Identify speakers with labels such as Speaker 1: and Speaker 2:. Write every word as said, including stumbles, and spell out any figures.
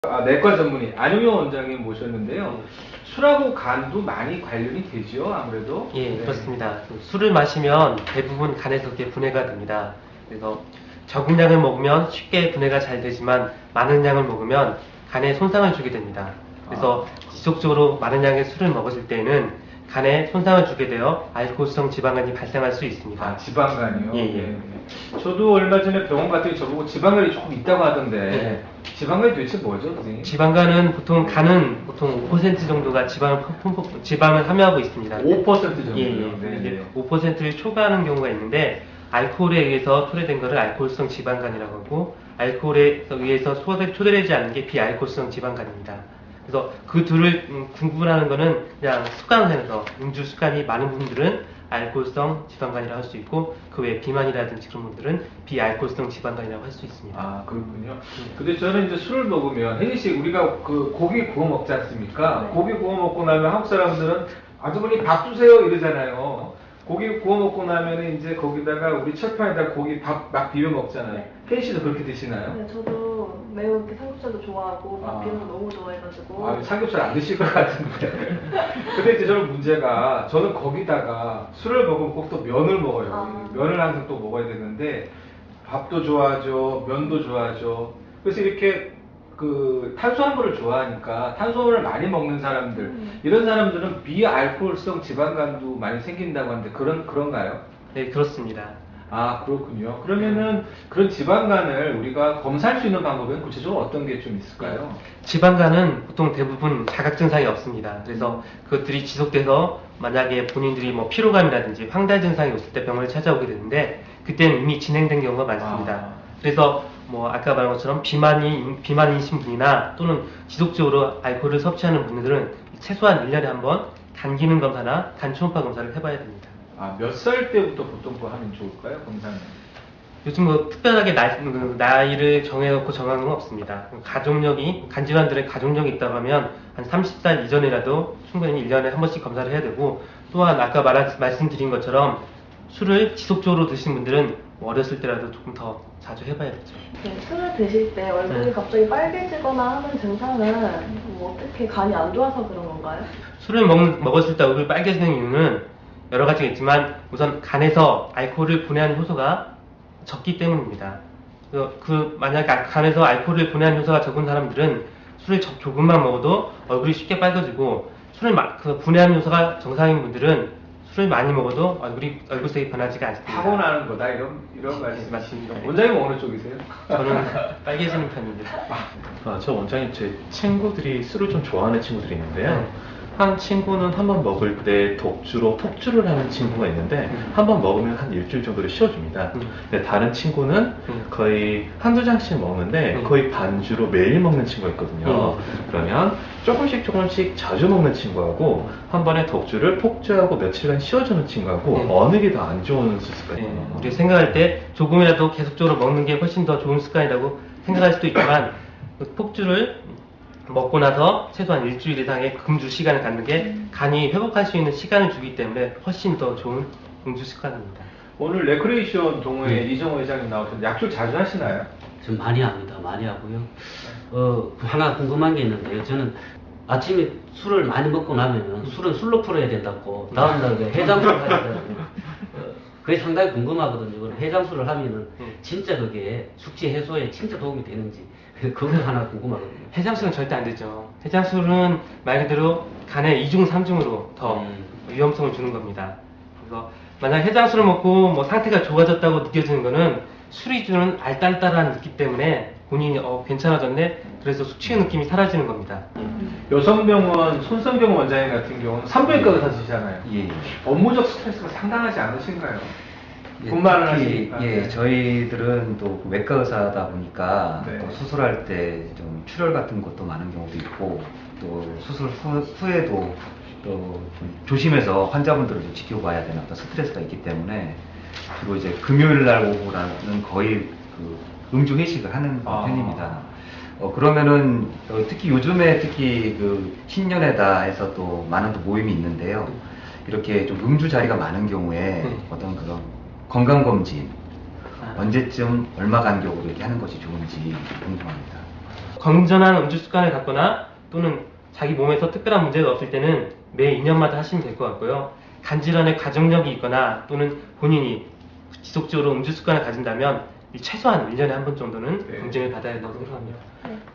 Speaker 1: 아, 내과 전문의 안용영 원장님 모셨는데요. 술하고 간도 많이 관련이 되죠, 아무래도.
Speaker 2: 예,
Speaker 1: 네.
Speaker 2: 그렇습니다. 술을 마시면 대부분 간에서 그게 분해가 됩니다. 그래서 적은 양을 먹으면 쉽게 분해가 잘 되지만 많은 양을 먹으면 간에 손상을 주게 됩니다. 그래서
Speaker 1: 아.
Speaker 2: 지속적으로 많은 양의 술을 먹었을 때는 간에 손상을 주게 되어 알코올성 지방간이 발생할 수 있습니다.
Speaker 1: 아, 지방간이요?
Speaker 2: 예, 예.
Speaker 1: 네. 저도 얼마 전에 병원 갔더니 저보고 지방간이 조금 있다고 하던데
Speaker 2: 예.
Speaker 1: 지방간이 도대체 뭐죠, 선생님?
Speaker 2: 지방간은 보통 간은 보통 오 퍼센트 정도가 지방을 품- 지방을 함유하고 있습니다.
Speaker 1: 오 퍼센트 정도요?
Speaker 2: 예, 예.
Speaker 1: 네,
Speaker 2: 이제
Speaker 1: 네.
Speaker 2: 오 퍼센트를 초과하는 경우가 있는데 알코올에 의해서 초래된 것을 알코올성 지방간이라고 하고 알코올에 의해서 초래, 초래되지 않는 게 비알코올성 지방간입니다. 그래서 그 둘을 음, 구분하는 거는 그냥 습관에서 음주 습관이 많은 분들은 알코올성 지방간이라고 할 수 있고 그 외에 비만이라든지 그런 분들은 비알코올성 지방간이라고 할 수 있습니다.
Speaker 1: 아, 그렇군요. 근데 저는 이제 술을 먹으면, 혜진 씨, 우리가 그 고기 구워 먹지 않습니까?
Speaker 3: 네.
Speaker 1: 고기 구워 먹고 나면 한국 사람들은 아주머니 밥 주세요 이러잖아요. 고기 구워 먹고 나면 이제 거기다가 우리 철판에다 고기 밥 막 비벼 먹잖아요.
Speaker 3: 네.
Speaker 1: 혜진 씨도 그렇게 드시나요?
Speaker 3: 네, 저도 매우 이렇게 삼겹살도 좋아하고
Speaker 1: 아.
Speaker 3: 밥 비빔도 너무 좋아해가지고.
Speaker 1: 아, 삼겹살 안 드실 것 같은데. 근데 이제 저는 문제가, 저는 거기다가 술을 먹으면 꼭 또 면을 먹어요.
Speaker 3: 아.
Speaker 1: 면을 항상 또 먹어야 되는데, 밥도 좋아하죠, 면도 좋아하죠. 그래서 이렇게 그 탄수화물을 좋아하니까 탄수화물을 많이 먹는 사람들,
Speaker 3: 음.
Speaker 1: 이런 사람들은 비알코올성 지방간도 많이 생긴다고 하는데, 그런, 그런가요?
Speaker 2: 네, 그렇습니다.
Speaker 1: 아, 그렇군요. 그러면은 그런 지방간을 우리가 검사할 수 있는 방법은 구체적으로 어떤 게 좀 있을까요?
Speaker 2: 지방간은 보통 대부분 자각 증상이 없습니다. 그래서 그것들이 지속돼서 만약에 본인들이 뭐 피로감이라든지 황달 증상이 있을 때 병원을 찾아오게 되는데 그때는 이미 진행된 경우가 많습니다.
Speaker 1: 아.
Speaker 2: 그래서 뭐 아까 말한 것처럼 비만이 비만이신 분이나 또는 지속적으로 알코올을 섭취하는 분들은 최소한 일 년에 한 번 간 기능 검사나 간 초음파 검사를 해봐야 됩니다.
Speaker 1: 아, 몇 살 때부터 보통 뭐 하면 좋을까요, 검사는?
Speaker 2: 요즘 뭐 특별하게 나이, 그 나이를 정해놓고 정하는 건 없습니다. 가족력이, 간질환들의 가족력이 있다고 하면 한 서른 살 이전이라도 충분히 일 년에 한 번씩 검사를 해야 되고, 또한 아까 말, 말씀드린 것처럼 술을 지속적으로 드시는 분들은 어렸을 때라도 조금 더 자주 해봐야겠죠.
Speaker 3: 네, 술을 드실 때 얼굴이
Speaker 2: 네.
Speaker 3: 갑자기 빨개지거나 하는 증상은 뭐 어떻게 간이 안 좋아서 그런 건가요?
Speaker 2: 술을 먹, 먹었을 때 얼굴이 빨개지는 이유는 여러 가지가 있지만 우선 간에서 알코올을 분해하는 효소가 적기 때문입니다. 그, 그 만약에 간에서 알코올을 분해하는 효소가 적은 사람들은 술을 저, 조금만 먹어도 얼굴이 쉽게 빨개지고 술을 마, 그 분해하는 효소가 정상인 분들은 술을 많이 먹어도 얼굴이 얼굴색이 변하지가 않습니다.
Speaker 1: 타고나는 거다 이런 이런 말씀.
Speaker 2: 맞습니다.
Speaker 1: 원장님 어느 쪽이세요?
Speaker 2: 저는 빨개지는 편입니다.
Speaker 4: 아, 저 원장님, 제 친구들이 술을 좀 좋아하는 친구들이 있는데요.
Speaker 2: 네.
Speaker 4: 한 친구는 한 번 먹을 때 독주로 폭주를 하는 친구가 있는데
Speaker 2: 음.
Speaker 4: 한 번 먹으면 한 일주일 정도를 쉬어줍니다.
Speaker 2: 음.
Speaker 4: 근데 다른 친구는
Speaker 2: 음.
Speaker 4: 거의 한두 잔씩 먹는데
Speaker 2: 음.
Speaker 4: 거의 반주로 매일 먹는 친구가 있거든요.
Speaker 2: 음.
Speaker 4: 그러면 조금씩 조금씩 자주 먹는 친구하고 한 번에 독주를 폭주하고 며칠간 쉬어주는 친구하고
Speaker 2: 음.
Speaker 4: 어느 게 더 안 좋은 습관이에요?
Speaker 2: 네, 우리 생각할 때 조금이라도 계속적으로 먹는 게 훨씬 더 좋은 습관이라고 생각할 수도 있지만 그 폭주를 먹고 나서 최소한 일주일 이상의 금주 시간을 갖는 게 간이 회복할 수 있는 시간을 주기 때문에 훨씬 더 좋은 음주 습관입니다.
Speaker 1: 오늘 레크레이션 동호회
Speaker 5: 네.
Speaker 1: 이정호 회장님 나오셨는데 약주 자주 하시나요?
Speaker 5: 좀 많이 합니다. 많이 하고요. 어, 하나 궁금한 게 있는데요. 저는 아침에 술을 많이 먹고 나면은 술은 술로 풀어야 된다고 다음날 그 해장술을 해야 된다고. 어, 그게 상당히 궁금하거든요. 그럼 해장술을 하면은 진짜 그게 숙취 해소에 진짜 도움이 되는지 그거 하나 궁금하거든요.
Speaker 2: 해장술은 절대 안 되죠. 해장술은 말 그대로 간의 이중 삼중으로 더
Speaker 5: 음.
Speaker 2: 위험성을 주는 겁니다. 그래서 만약 해장술을 먹고 뭐 상태가 좋아졌다고 느껴지는 거는 술이 주는 알딸딸한 느낌 때문에 본인이 어 괜찮아졌네 그래서 숙취의 느낌이 사라지는 겁니다.
Speaker 1: 여성병원 손성경 원장님 같은 경우는 산부인과 의사시잖아요.
Speaker 6: 예, 예.
Speaker 1: 업무적 스트레스가 상당하지 않으신가요?
Speaker 6: 예,
Speaker 1: 분만을
Speaker 6: 특히,
Speaker 1: 하시니까.
Speaker 6: 예,
Speaker 1: 네.
Speaker 6: 저희들은 또 외과 의사다 보니까
Speaker 1: 네.
Speaker 6: 또 수술할 때 좀 출혈 같은 것도 많은 경우도 있고 또 수술 후, 후에도 또 좀 조심해서 환자분들을 좀 지켜봐야 되는 어떤 스트레스가 있기 때문에 주로 이제 금요일 날 오후라는 거의 그 음주 회식을 하는
Speaker 1: 아.
Speaker 6: 편입니다. 어, 그러면은 어, 특히 요즘에 특히 그 신년회다 해서 또 많은 또 모임이 있는데요. 이렇게 좀 음주 자리가 많은 경우에
Speaker 2: 네.
Speaker 6: 어떤 그런 건강검진
Speaker 2: 아.
Speaker 6: 언제쯤 얼마 간격으로 이렇게 하는 것이 좋은지 궁금합니다.
Speaker 2: 건전한 음주 습관을 갖거나 또는 자기 몸에서 특별한 문제가 없을 때는 매 이 년마다 하시면 될 것 같고요. 간질환의 가정력이 있거나 또는 본인이 지속적으로 음주 습관을 가진다면 최소한 일 년에 한 번 정도는
Speaker 1: 네.
Speaker 2: 검진을 받아야 된다고 생각합니다.
Speaker 3: 네.